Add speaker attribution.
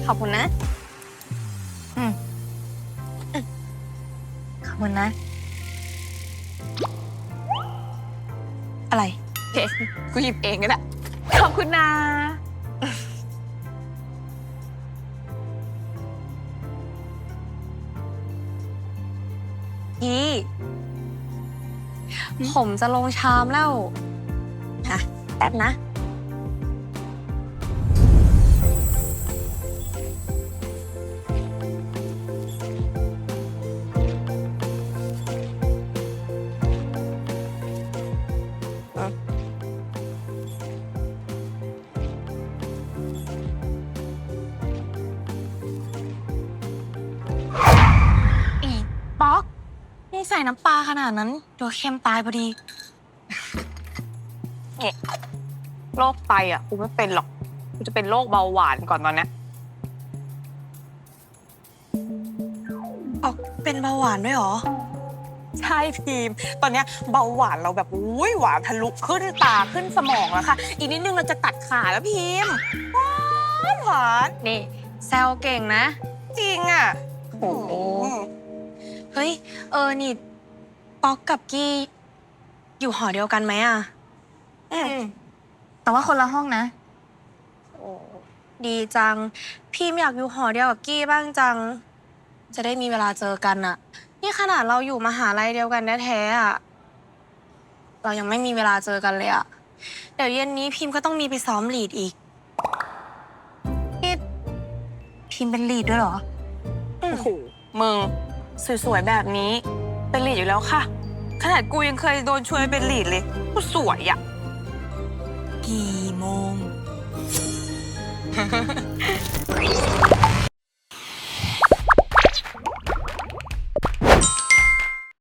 Speaker 1: ขอบคุณนะ
Speaker 2: ขอบคุณนะ
Speaker 1: อะไรเฮ้กูหยิบเองก็ได้ขอบคุณนะพี่ผมจะลงชามแล้วค่ะแป๊บนะอีป๊อกนี่ใส่น้ำปลาขนาดนั้นเดี๋ยวเค็มตายพอดีเนี่ยโรคไตอ่ะกูไม่เป็นหรอกกูจะเป็นโรคเบาหวานก่อนตอนนี้ป๊อกเป็นเบาหวานด้วยเหรอใช่พิมตอนเนี้ยเบาหวานเราแบบอุ้ยหวานทะลุขึ้นตาขึ้นสมองแล้วค่ะอีกนิดนึงเราจะตัดขาแล้วพิมหวานนี่แซวเก่งนะจริงอ่ะโอ้เฮ้ยนี่ป๊อกกับกี้อยู่หอเดียวกันไหมอ่ะ
Speaker 2: แต่ว่าคนละห้องนะ
Speaker 1: โอ้ดีจังพี่อยากอยู่หอเดียวกับกี้บ้างจังจะได้มีเวลาเจอกันอ่ะนี่ขนาดเราอยู่มหาลัยเดียวกันแท้ๆอ่ะเรายังไม่มีเวลาเจอกันเลยอ่ะเดี๋ยวเย็นนี้พิมก็ต้องมีไปซ้อมลีดอีก
Speaker 2: นี่พิมพ์เป็นลีดด้วยเหรอ
Speaker 1: โอ้โหมึงสวยๆแบบนี้เป็นลีดอยู่แล้วค่ะขนาดกูยังเคยโดนชวนเป็นลีดเลยกูสวยอ่ะ
Speaker 2: กี่โมง